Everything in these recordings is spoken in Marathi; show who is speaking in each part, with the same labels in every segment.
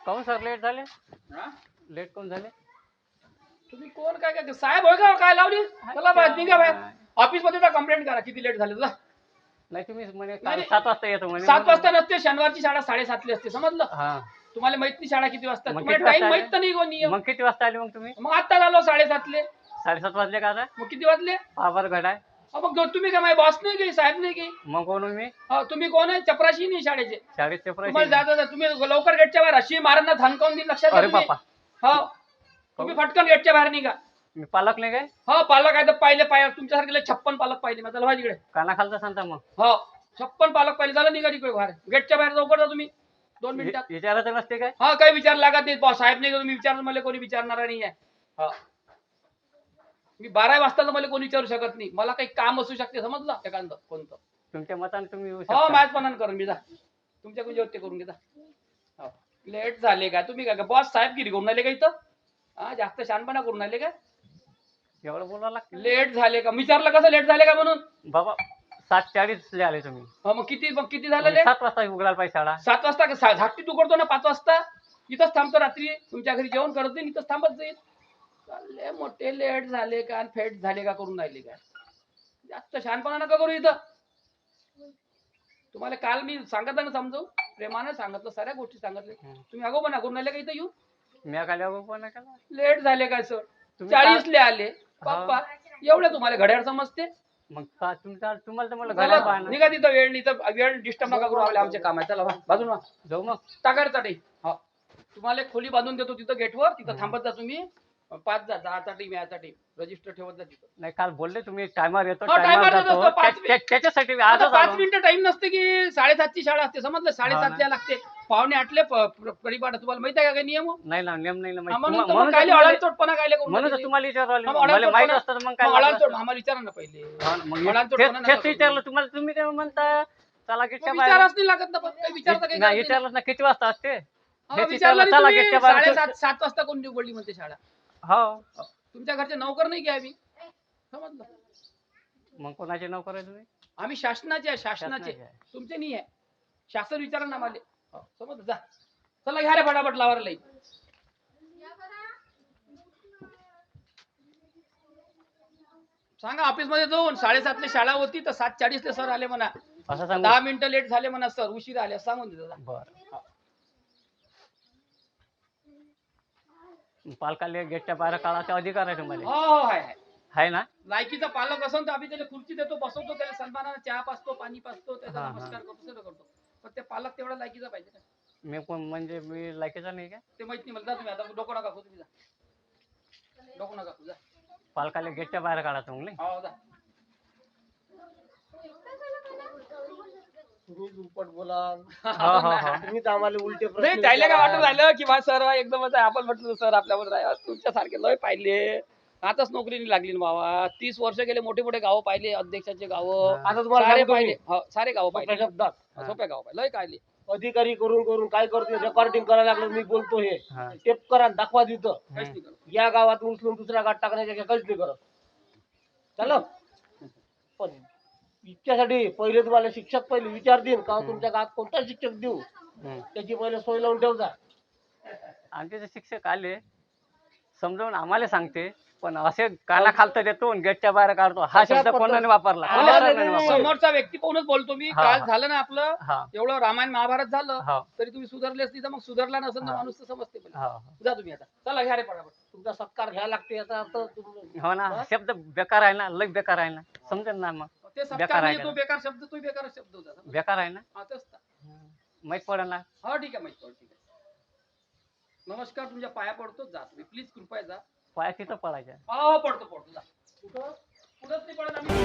Speaker 1: काहून सर लेट झाले?
Speaker 2: हा?
Speaker 1: लेट कोण झाले?
Speaker 2: तुम्ही कोण काय काय साहेब होय का काय लावली? चला बाहेर निघा बाहेर. ऑफिस मध्ये जा कंप्लेंट करा किती लेट झाले तुला.
Speaker 1: नाही तुम्ही म्हणे
Speaker 2: नाही.
Speaker 1: 7 वाजता येतो म्हणे.
Speaker 2: 7 वाजता नसते, शनिवारची शाळा 7:30 ला असते, समजलं?
Speaker 1: हा.
Speaker 2: तुम्हाला माहित नाही शाळा किती वाजता?
Speaker 1: मग
Speaker 2: तुम्हाला
Speaker 1: किती
Speaker 2: टाइम
Speaker 1: वाजता
Speaker 2: माहित तर नाही कोण नियम.
Speaker 1: मग किती वाजता आले मग तुम्ही?
Speaker 2: मग आता आलो 7:30 ले.
Speaker 1: 7:30 वाजले का आता?
Speaker 2: मग किती वाजले?
Speaker 1: पावर घड आहे.
Speaker 2: मग तुम्ही काय माझे बॉस नाही की साहेब नाही की?
Speaker 1: मग कोण हो मी?
Speaker 2: तुम्ही कोण आहे? चपराशी नाही शाळेचे.
Speaker 1: शाळेत
Speaker 2: तुम्हाला जाता तुम्ही लवकर गेटच्या बाहेर अशी मारांना थांबकावून देईल, लक्षात घ्या
Speaker 1: अरे
Speaker 2: तुम्ही.
Speaker 1: बापा.
Speaker 2: हो तुम्ही फटकन गेटच्या बाहेर निघा.
Speaker 1: मी पालक नाही काय?
Speaker 2: हो पालक आहे तर पाहिले तुमच्यासारखे 56 पालक पाहिले माझा लवा तिकडे.
Speaker 1: काना खालचा सांगता मग.
Speaker 2: हो 56 पालक पाहिले. झालं निघा तिकडे बाहेर, गेटच्या बाहेर लवकर जा तुम्ही 2 मिनिटात.
Speaker 1: विचारायचं नसते काय?
Speaker 2: हा काही विचार लागत नाही बॉस साहेब नाही का तुम्ही विचारलं, मला कोणी विचारणार नाही आहे. हा मी 12 वाजता तर मला कोणी विचारू शकत नाही, मला काही काम असू शकते, समजलं एखादं कोणतं.
Speaker 1: तुमच्या मताने तुम्ही येऊ
Speaker 2: हो
Speaker 1: शकता.
Speaker 2: माझ्यापणानं करून मी जा तुमच्या कुठे ते करून घेता. हो लेट झाले का तुम्ही? काय बॉस साहेबगिरी करून आले का इथं? हा जास्त शहाणपणा करून आले का?
Speaker 1: एवढं बोलावं लागतं.
Speaker 2: लेट झाले का विचारलं कसं लेट झाले का म्हणून?
Speaker 1: बाबा 7:40 ला आले तुम्ही.
Speaker 2: मग किती झालं लेट?
Speaker 1: 7 वाजता उघडायला पाहिजे शाळा.
Speaker 2: 7 वाजता झाकटी तू करतो ना 5 वाजता इथंच थांबतो, रात्री तुमच्या घरी जेवण करत नाही, इथंच थांबत जाईल. चालले मोठे लेट झाले का आणि फेट झाले का करून राहिले काय? जास्त शहाणपणा नका करू इथं. तुम्हाला काल मी सांगत ना समजू प्रेमाने सांगितलं, साऱ्या गोष्टी सांगितले. तुम्ही अगोपणा करून राहिले का इथं येऊ?
Speaker 1: मी काय पण केला.
Speaker 2: लेट झाले काय सर?
Speaker 1: तुम्ही
Speaker 2: 40 ले आले पप्पा, एवढे तुम्हाला घड्याळ समजते?
Speaker 1: मग तुम्हाला तर मला
Speaker 2: चला,
Speaker 1: घड्याळ पाहणं.
Speaker 2: निघा तिथं वेळ नाही तर वेळ डिस्टर्ब नका करू, आपले आमचे काम आहे. चला बाजून
Speaker 1: जाऊ मग.
Speaker 2: टाकायचा टाईम. हा तुम्हाला एक खोली बांधून देतो तिथं गेटवर, तिथं थांबत जा तुम्ही. 5 जा, 10चा टीम याचा टीम रजिस्टर ठेवत जा तिथं.
Speaker 1: नाही काल बोलले तुम्ही टायमर येतो,
Speaker 2: हो, timer येतो,
Speaker 1: जातो.
Speaker 2: 5
Speaker 1: त्याच्यासाठी मी
Speaker 2: आता
Speaker 1: आजच
Speaker 2: 5
Speaker 1: आलो.
Speaker 2: मिनिटं टाइम नसते की 7:30ची शाळा असते, समजलं? 7:30 ला लागते. 7:45 परिपाठ तुम्हाला माहित आहे का काही नियम?
Speaker 1: नाही ना नियम नाही ना माहिती.
Speaker 2: म्हणून तर
Speaker 1: म्हणून
Speaker 2: मग काय अळाचोटपणा काय
Speaker 1: म्हणून तर तुम्हाला विचारलं.
Speaker 2: मग
Speaker 1: मला माहित असतं तर मग काय लागलं असतं.
Speaker 2: आम्हाला विचारा ना पहिले.
Speaker 1: मग
Speaker 2: अळाचोटपणा नका
Speaker 1: तेच
Speaker 2: करू.
Speaker 1: विचारलं तुम्हाला. तुम्ही काय म्हणता चला गेटच्या बाहेर?
Speaker 2: विचाराच नाही लागत ना, पण काही विचारता काही
Speaker 1: नाही
Speaker 2: गरज नाही.
Speaker 1: विचारलं ना किती वाजता असते?
Speaker 2: हा,
Speaker 1: हेच
Speaker 2: विचारलं
Speaker 1: विचारलं, चला
Speaker 2: नाही
Speaker 1: गेटच्या
Speaker 2: तुम्ही.
Speaker 1: बाहेर.
Speaker 2: 7:30 वाजता कोण उघडली म्हणते शाळा?
Speaker 1: हो
Speaker 2: तुमच्या घरचे नोकर नाही की आम्ही, समजलं?
Speaker 1: मग कोणाचे नोकर आहे तुम्ही?
Speaker 2: आम्ही शासनाचे आहे, शासनाचे.
Speaker 1: शासनाचे आहे.
Speaker 2: तुमचे नाही आहे. शासन विचारा ना मला. समजलं? जा चला घ्या रे फटाफट लावायला लाईन. सांगा ऑफिस मध्ये जाऊन 7:30 ला शाळा होती तर 7:40 ला सर आले म्हणा.
Speaker 1: असं सांगू?
Speaker 2: 10 मिनिटं लेट झाले म्हणा सर, उशीर आले सांगून दे.
Speaker 1: बरं. पालकाला गेटच्या बाहेर काढायचा अधिकार आहे तुम्हाला?
Speaker 2: हो हो आहे.
Speaker 1: आहे ना?
Speaker 2: लायकीचा पालक असेल तर आम्ही त्याला खुर्ची देतो, बसवतो, त्याला सन्मानाने चहा पाचतो, पाणी पाचतो, त्याचा
Speaker 1: हा, हा.
Speaker 2: नमस्कार करतो, सगळं करतो. पण ते पालक तेवढा लायकीचा पाहिजे ना.
Speaker 1: मी कोण म्हणजे मी लायकीचा नाही का?
Speaker 2: ते माहित नाही मला. जा तुम्ही आता, डोकं नका खाऊ तुम्ही, जा डोकं नका खाऊ, जा.
Speaker 1: पालकाला गेटच्या बाहेर काढायचं मग नाही?
Speaker 2: हो जा.
Speaker 3: तुम्ही दुप्पट बोला.
Speaker 1: हो हो हो.
Speaker 3: तुम्हीच आम्हाला उलटे
Speaker 2: नाही
Speaker 3: प्रश्न
Speaker 2: त्याला काय वाटत
Speaker 3: विचारा.
Speaker 2: राहिलं की बा सर एकदमच आहे, आपण म्हटलं सर आपल्यावर आहे, तुमच्या सारखे लय पाहिले, आताच नोकरी नाही लागली ना बाबा. 30 वर्ष गेले, मोठे मोठे गावं पाहिले, अध्यक्षाचे गावं
Speaker 3: आता तुम्हाला
Speaker 2: सारे
Speaker 3: सांगतो मी,
Speaker 2: पाहिले. हो सारे गावं
Speaker 3: सोप्या
Speaker 2: पाहिले,
Speaker 3: शब्दात
Speaker 2: सोप्या गाव पाहिले, लय काढले.
Speaker 3: अधिकारी करून करून काय करतो, रेकॉर्डिंग करायला लागलं. मी बोलतो हे
Speaker 1: हा.
Speaker 3: टेप करा, दाखवा तिथं.
Speaker 2: काहीच नाही करत.
Speaker 3: या गावात उचलून दुसऱ्या गावात टाकण्याच्या काहीच नाही करत. चाललं पण इतक्यासाठी पहिले तुम्हाला शिक्षक पहिले विचारतील का तुमच्या गावात कोणता शिक्षक देऊ, त्याची पहिले सोय लावून ठेवता.
Speaker 1: आमचे जे शिक्षक आले समजावून आम्हाला सांगते, पण असे काना खालत देतो आणि गेटच्या बाहेर काढतो हा
Speaker 3: अशा
Speaker 1: शब्द
Speaker 3: पद्धत-
Speaker 1: कोणाने वापरला?
Speaker 3: हा,
Speaker 1: कोण्या
Speaker 3: नाही,
Speaker 1: सरांनी
Speaker 3: नाही,
Speaker 1: वापरला?
Speaker 2: समोरचा व्यक्ती पाहूनच बोलतो मी.
Speaker 1: हा,
Speaker 2: काल
Speaker 1: हा.
Speaker 2: झालं ना आपलं
Speaker 1: हा
Speaker 2: एवढं रामायण महाभारत झालं
Speaker 1: हा
Speaker 2: तरी तुम्ही सुधारले असती तर मग सुधारला नसेल तर
Speaker 1: हा.
Speaker 2: माणूस तर समजते पहिले.
Speaker 1: हा.
Speaker 2: जा तुम्ही आता, चला घ्या रे पटापट.
Speaker 3: तुमचा सत्कार घ्यायला लागते याचा अर्थ
Speaker 1: हो ना, शब्द बेकार आहे ना, लय बेकार आहे ना, समजेल ना मग.
Speaker 2: ते सत्कार
Speaker 1: बेकार आहे
Speaker 2: म्हणजे तो
Speaker 1: का?
Speaker 2: बेकार शब्द, तो बेकार शब्द होता.
Speaker 1: बेकार आहे ना,
Speaker 2: हा तेच तर.
Speaker 1: माहित पडेल ना.
Speaker 2: हा ठीक आहे, माहिती पडलं, ठीक आहे. नमस्कार, तुमच्या पाया पडतो, जा तुम्ही प्लीज, कृपया जा.
Speaker 1: पाया तिथं पडायच्या.
Speaker 2: हो पडतो, जा. कुठं कुठंच नाही पडत आम्ही.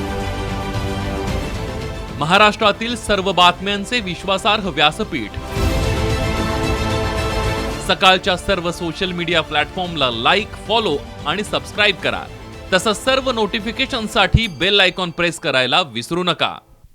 Speaker 4: महाराष्ट्रातील सर्व बातम्यांचे विश्वासार्ह व्यासपीठ, सकाळच्या सर्व सोशल मीडिया प्लॅटफॉर्मला लाईक, फॉलो आणि सबस्क्राईब करा. तसंच सर्व नोटिफिकेशनसाठी बेल आयकॉन प्रेस करायला विसरू नका.